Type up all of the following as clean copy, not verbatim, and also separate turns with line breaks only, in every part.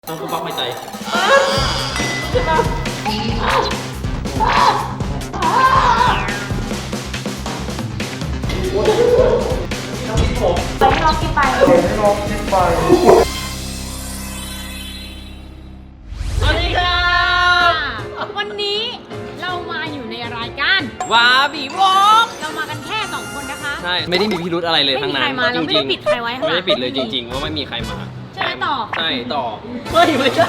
ต้องกูปักไม่ใจ
ใช่ปะไปให้น้องกินไป
สวัสดีครับ
วันนี้เรามาอยู่ในรายการ
วาบีวอก
เรามากันแค่2คนนะคะ
ใช่ไม่ได้มีพิรุธอะไรเลยทั้งนั้น
ไม่มีใครมาเราไม่ได้ปิดใครไว้ข้างหลัง
ไม่ได้ปิดเลยจริงๆว่าไม่มีใครมา
ใช่ไหมต่อ
ใช่ต่อไม่ใช่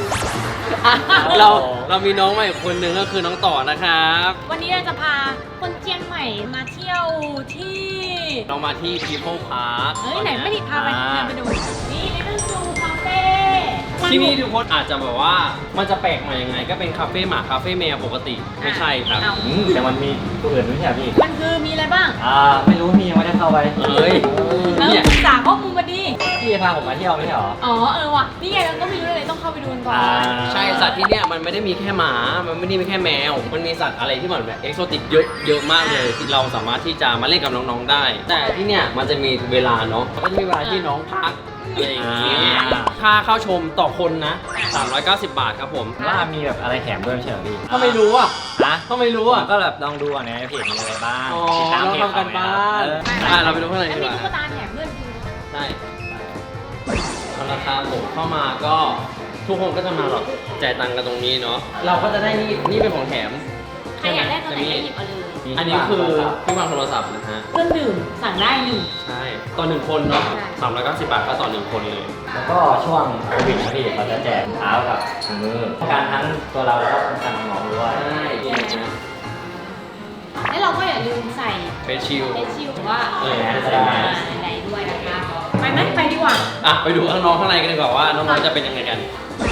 เรามีน้องใหม่คนหนึ่งก็คือน้องต่อนะครับ
วันนี้เราจะพาคนเชียงใหม่มาเที่ยวที่
เรามาที่ People Park
เฮ้ยไหนไม่ได้พาไปไปดูนี่เลนซูคาเฟ่
ที่นี่ทุกคนอาจจะแบบว่ามันจะแปลกใหม่ยังไง ก็เป็นคาเฟ่หมาคาเฟ่แมวปกติไม่ใช่ครับ
แต่มันมีตัวอื่นไม่ใช่พี่
มันคือมีอะไรบ้าง
ไม่รู้พี่ยังไม่ได้เข้าไป
เอ้ย
แล้ว
เนี่ย
ศึกษาข้อมูลมาดิ
พี่พาผมมาเที่ยวไม่ใช่หรอ
อ๋อว่ะนี่ไงเราก็ไม่รู้เลยต้องเข้าไปดูกันก่อน
ใช่สัตว์ที่เนี่ยมันไม่ได้มีแค่หมา มันไม่ได้มีแค่แมว มันมีสัตว์อะไรที่มันแบบเอกโซติกเยอะมากเลยที่เราสามารถที่จะมาเล่นกับน้องๆได้ แต่ที่เนี่ยมันจะมีเวลาเนาะก็จะมีเวลาที่น้องพักอะไรอย่างเงี้ยค่าเข้าชมต่อคนนะ390 บาทครับผม
ว่ามีแบบอะไรแถมด้วยไม่ใช่หรอพี่
ถ้าไม่รู้อ่ะ
ฮะ
ถ้าไม่รู้อ่ะ
ก็แบบลองดูในเพจมีอะไรบ้าง
อ๋อ
ติดตาม
เรา
เพจ
ทำกันบ้าน เราไปดูข้างใน
อัน
ดี
นี้
กว่า
ตุ๊กตาแถมเพื่อนดู
ใช่เอาละครับผมเข้ามาก็ทุกคนก็จะมาแบบจ่ายตังค์กันตรงนี้เนาะ เราก็จะได้นี่เป็นของแถม
ใครอยากได้ตัวไหนก็หยิบเอาเลย
อันนี้คือที่วางโทรศัพท์นะฮะ
เครื่องดื่มสั่งได้หนึ่ง
ใช่ ต่อ 1 คนเนาะ
ใช่
390 บาทก็ต่อ 1 คนเลย
แล้วก็ช่วงโควิดนะพี่เราจะแจกเท้ากับถุงมือป้องกันทั้งตัวเราแล้วก็ป้องกันน้องๆด้วย
ใช่นี่นะ
แล้วเราก็อย่าลืมใส่
เฟซชิล
เฟซชิลหรือว่า
ใส่แมส
อะไรด้วยนะคะไปไหมไปดีกว่า
อ่ะไปดูน้องๆข้างในกันดีกว่าว่าน้องๆจะเป็นยังไงกัน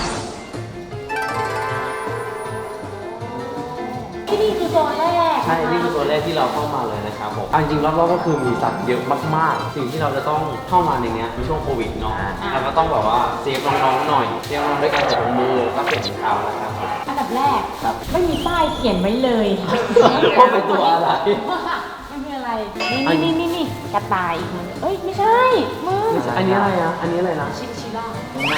ที่นี่คือโซนแรก
ใช่ นี่คือตัวแรกที่เราเข้ามาเลยนะครับผมจริงๆรอบๆก็คือมีสัตว์เยอะมากๆ สิ่งที่เราจะต้องเข้ามาในเนี้ยในช่วงโควิดเนาะเราก็ต้องแบบว่าเซฟน้องๆหน่อยเซฟน้องๆด้วยการใส่ถุงมือแล้วก็เปลี่ยนถุงเท้านะครับ
อันดับแรกไม่มีป้ายเขียนไว้เลยค่ะ
ว่าเป็นตัวอะไร
มันคืออะไรนี่กระต่ายอีกมันเอ้ยไม่ใช่มึง
อันนี้อะไรนะ อันนี้อะไรนะ
ชินชิล่า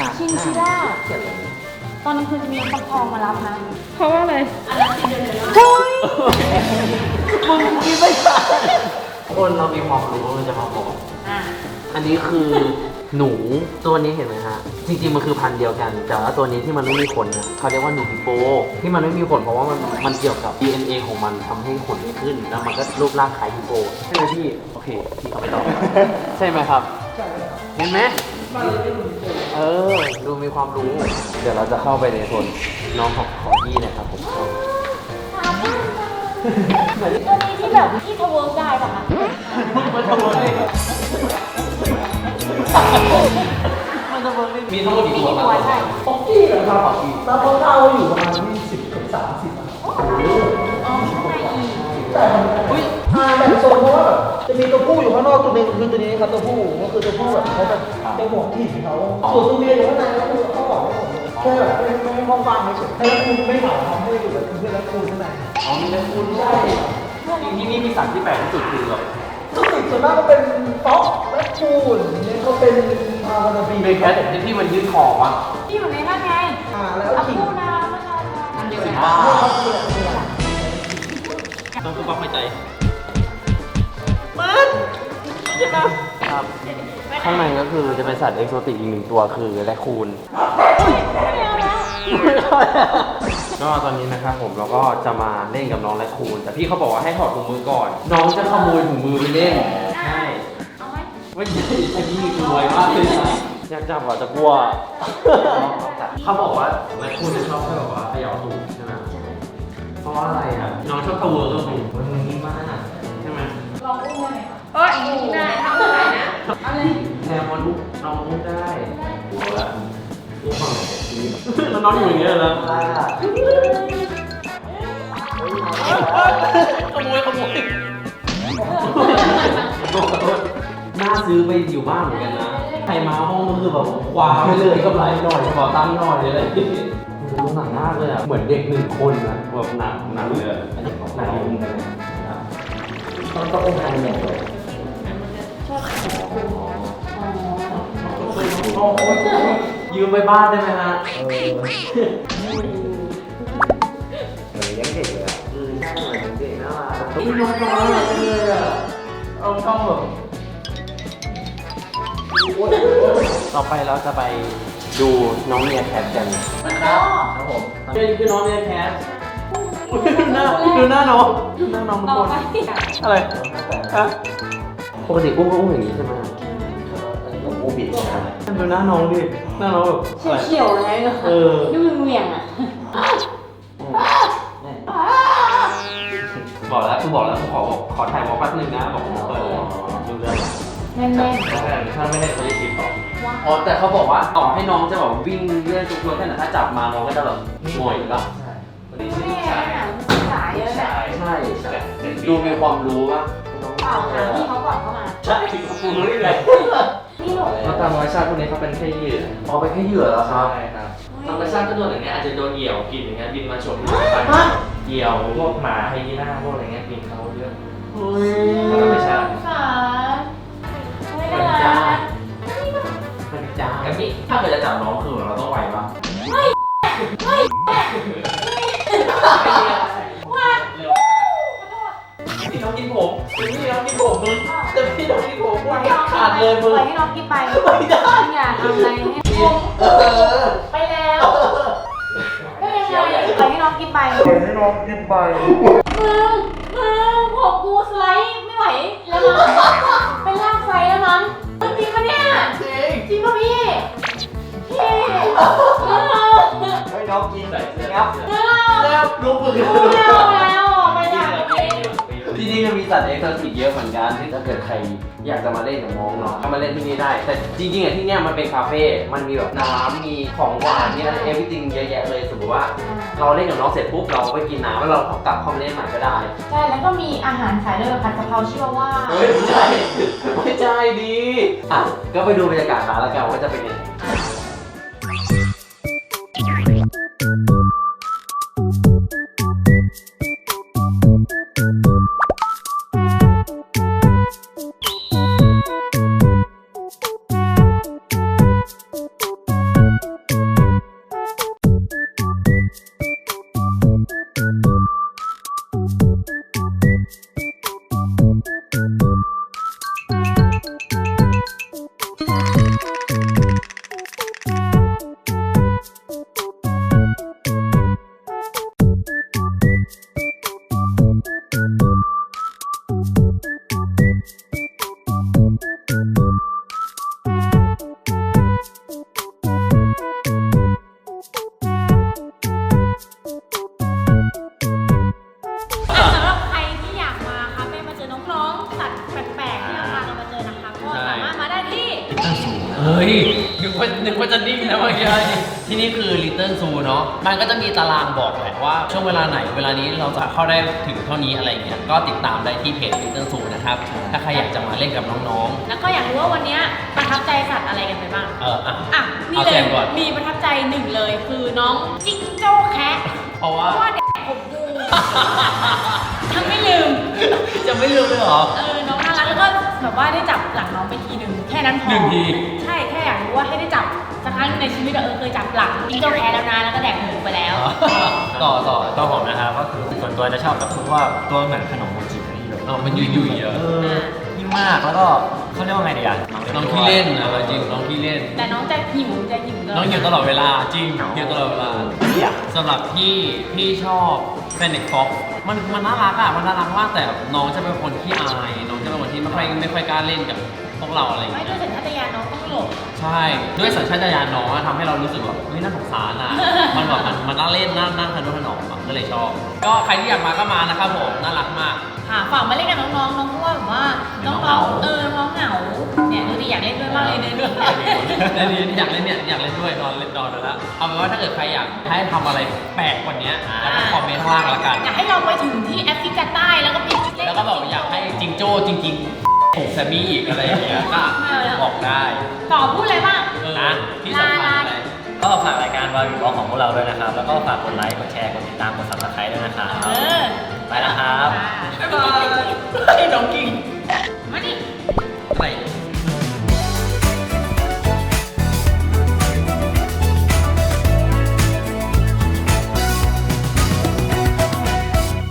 ตอนนั้นคือจะมีฟักทองมารับนะเพราะว่าอะไรอะไรเฮ้ย
มึงคิดไม่ทันคนเรามีความรู้เราจะมาบอก อันนี้คือหนูตัวนี้เห็นไหมฮะ จริงๆมันคือพันธุ์เดียวกัน แต่ว่าตัวนี้ที่มันไม่มีขนเนี่ยเขาเรียกว่าหนูฮิปโปที่มันไม่มีขนเพราะว่ามันเกี่ยวกับ DNA ของมันทำให้ขนไม่ขึ้น แล้วมันก็รูปร่างคล้ายฮิปโปใช่ไหมพี่ โอเค พี่เขาไม่ตอบ ใช่ไหมครับ เห็นไหมดูมีความรู้ เดี๋ยวเราจะเข้าไปในโซนน้องของพี่นะครับผม
ตัวนี้ที่แบบที่ทะเวิร์กได้ป่ะคะ
มีทั้งหมดกี่ตัวครับ
ใช่
ของพี่นะครับแล้วเขาเอาอยู่ประมาณ20ถึง30อ่ะ
อ๋อข้างในอีก
แต่มันแบ่งโซนเพราะว่าแบบจะมีตัวผู้อยู่ข้างนอกตัวหนึงคือตัวนี้ครับตัวผู้ก็คือตัวผู้แบบเขาจะห่วงที่เขาส่วนตัวเมียอยู่ข้างในก็คือเขาบอกว่าแค่แบบไม่ให้ห้องว่างเฉยๆแล้วคุณไม่เหงาทำให้อยู่แบบคือแล้วคุณข้างใน
อ๋อมีทั้งคุณใช่ที่นี่มีสัตว์ที่แปลกที่สุดคือแบบ
รู้สึกส่วนมากก็เป็นฟ็อกและคูนเนี่ยก็เป็นพาวนาบี
เป็นแคทที่มันยืดคอวะ
ที่อยู่ในนั่นไง
แล้ว
เอา
ขิง
คู่นะไม่ใช่อันเดียวกัน
บ้า
เขาคืออะไรเนี่ย
ต้องกูปักไม่ใจ ครับ ข้างในก็คือจะเป็นสัตว์เอกโซติกอีก1 ตัวคือแรคคูน ก็ตอนนี้นะครับผมเราก็จะมาเล่นกับน้องแรคคูน แต่พี่เขาบอกว่าให้ถอดถุงมือก่อน น้องจะขโมยถุงมือไปเล่น ใช่
เอาไหม
ไม่ใช่อันนี้กลัวมากเลยนะอยากจับอ่ะจะกลัว เขาบอกว่าแรคคูนจะชอบให้แบบว่าเขย่าถุงใช่ไหมเพราะว่าอะไรอ่ะ น้องชอบตะเวอร์กับถุงมันนิ่มมากใช่ไหม
ลองอุ้มได้ไหมเอ้ยได้ทำได้นะเอาเลย
แทนมันลุกน้องลุกได้กลัวละลุกฝั่งไหนแล้วน้องอยู่อย่างเงี้ยแล้วขโมยน่าซื้อไปอยู่บ้านเหมือนกันนะ ใครมาห้องก็คือแบบคว้าไปเลยกำไรหน่อยขอตังค์หน่อยอะไรดูหนังมากเลยอ่ะ เหมือนเด็ก1 คนนะแบบหนังเลยอันนี้ของหนังยุ่งกันต้ององค์การเนี่ยเลยยืมไปบ้านได้ไหมฮะ
เหมือนเลี้ยงเด็กเลยอะ
ใช่เหมือนเด็กน่ารักนี่น้องน้อยเลยอ่ะเอาช่องแบบต่อไปเราจะไปดูน้องเมียแคทกันนะครับ
ครับผม
นี่คือน้องเมียแคทดูหน้าน้องดูหน้าน้องทุก
ต่อ
คน
ไป
อะไรฮะปกติอุ้มก็อุ้มอย่างนี้ใช่ไหม
ผมบูบิดนะครับ
ดูหน้าน้องดิหน้าน้องแบบอะไร
เขียวๆเลยเหรอ
เออ
นี่มึงเหวี่ยงอ่ะ
บอกแล้วกูบอกแล้วกูขอถ่ายวอล์กแป๊บนึงนะบอกผมเปิดเลยดูเรื่อง
แน่น
ถ้าไม่ได้เขาจะคิดต่อ
ๆว่า
อ๋อแต่เขาบอกว่าต่อให้น้องจะแบบวิ่งเลื่อนทุกตัวแค่ไหนถ้าจับมาน้องก็จะแบบหงอยหรอ
วันนี้ชื่อ
แม่
ชาย
หนังศึกษาเยอะแหละ
ใช่ดูมีความรู้ป่ะ
เปล่าหาพี่เขาก่อนเข้ามา
ใช่กูรู้ได้ไง
นี่หนู
เพราะตามธรรมชาติพวกนี้เขาเป็นแค่เหยื่อ
อ๋อไปแค่เหยื่อแล้วครับ
ใช่ครับธรรมชาติก็โดนอย่างเงี้ยอาจจะโดนเหยี่ยวกินอย่างเงี้ยบินมาฉกไปเหยี่ยวพวกหมาไฮยีน่าพวกอะไรเงี้ยบินเขาเยอะ
เฮ้ย
ธรรมชาติ
สงสารไม่น่ารัก
มันจ้าถ้าเกิดจะจับน้องคือเราต้องไวป่ะ พี่น้องกินผมพี่น้องกินผมมึงแต่พี่น้องกินผมมึงขาดเลยมึง
ปล่อยให้น้องกินไป
ไม่ได้
อย่าทำอะไรให้ผม
เออ
ไปแล้วก็ยังไงปล่อยให้น้องกินไปมึงผมกูสไลด์ไม่ไหวแล้วมั้งเป็นลากไซแล้วมั้งจริงปะเนี่ยจริงปะพี่พี่
ให้น้องกินใส่เสื้อครับ
แล้วรู้มือ
ไม่เอาแล้วไปจากที่
ที่นี่ก็มีสัตว์เอ็กซ์โซติกเยอะเหมือนกันที่ถ้าเกิดใครอยากจะมาเล่นกับน้องเนาะก็มาเล่นที่นี่ได้ แต่จริงๆอ่ะที่เนี้ยมันเป็นคาเฟ่ มันมีแบบน้ำมีของหวานมีอะไรเอฟวิติงเยอะแยะเลยสมมติว่าเราเล่นกับน้องเสร็จปุ๊บเราไปกินน้ำแล้วเรากลับเข้ามาเล่นใหม่ก็ได้
ใช่แล้วก็มีอาหารขายด้วยผัดกะเพราชื่อว่า
เฮ้ยไม่ใช่ไม่ใช่ดีอ่ะก็ไปดูบรรยากาศร้านแล้วกันว่าจะเป็นยังไง
สำหรับใครที่อยากมาคาเฟ่มาเจอน้องๆสัตว์แปลกๆที่เราพากันมาเจอนะคะก็สามารถมาได้ที่
เฮ้ยนึกว่าจะนิ่งนะเมื่อกี้ที่นี่คือ Little Zoo เนาะมันก็จะมีตารางบอกแหละว่าช่วงเวลาไหนเวลานี้เราจะเข้าได้ถึงเท่านี้อะไรเงี้ยก็ติดตามได้ที่เพจ Little Zoo นะครับถ้าใครอยากจะมาเล่นกับน้อง
แล้วก็อยากรู้ว่าวันนี้ประทับใจสัตว์อะไรกันไปบ้าง
ๆอ่ะ
อ่ะนี่
เอา
เล
แจ
ย
มก่อน
มีประทับใจหนึ่งเลยคือน้องจิ้งโจ้แคะ
เพราะว่า
เด็กผมดูทั้งไม่ลืม
จะไม่ลืมเลยเหรอ
น้องน่ารักแล้วก็แบบว่าได้จับหลังน้องไปทีหนึ่งแค่นั้นพอ
หนึ่งที
ใช่แค่อยากรู้ว่าให้ได้จับสักครั้งในชีวิตเคยจับหลังจิ้งโจ้แคะแล้วนะแล้วก็แดกหมูไปแล้ว
ต่อตัวผมนะครับก็คือส่วนตัวจะชอบกับพวกตัวเหมือนขนมโมจินี่เลย
มันยุ่ยๆเยอะ
ยิ่งมากแล้วก็เขาเรียกว่าไงดีอ่ะ
น้องที่เล่นนะจริงน้องที่เล่น
แต่น้องจะหิวตล
น้องอยู่ตลอดเวลาจริงอยู่ตลอดเวลา
เนี่ย
สำหรับพี่ชอบเฟนเน็กฟ็อกมันน่ารักอ่ะมันน่ารักมากแต่น้องจะเป็นคนที่อายน้องจะเป็นคนที่ไม่ค่อยกล้าเล่นกับพวกเราอะไรอย่าง
ไม่
เงี้ย
ด้วยสัญชาตญาณน้องต้องหลบ
ใช่ด้วยสัญชาตญาณน้องอะทำให้เรารู้สึกแบบเฮ้ยน่าสงสารอ่ะ มันแบบมันน่าเล่นน่าทะนุถนอมอะก็เลยชอบ ก็ใครที่อยากมาก็มานะครับผมน่ารักมาก
ค่ะฝากมาเล่นกับน้องๆน้องเพราะว่าแบบว่าน้องน้องเหงาเนี่ยดูดิอยากเล่นด้วยมากเลยเนี่ย
แล้วนี่อยากเล่นเนี่ยอยากเล่นด้วยนอนแล้วเอาเป็นว่าถ้าเกิดใครอยากให้ทำอะไรแปลกกว่านี้แล้วก็คอมเมนต์ข้างล่างแล้วกัน
อยากให้เราไปถึงที่แอฟริกาใต้แล้วก็ไปเล่น
แล้วก็แบบอยากให้จิงโจ้จริงๆผมแซมมี่อีกอะไรอย่างเงี้ยก็บอกได้
ต่อพูดอะไรบ้าง
นะที่สำคัญอะไร
ก็ฝากรายการวาวิวของพวกเราด้วยนะครับ แล้วก็ฝากกดไลค์กดแชร์กดติดตามกด subscribe ด้วยนะครับ
เออ
ไปแล้วครับ
ค่ะ
บ๊ายบายน้องกิ่ง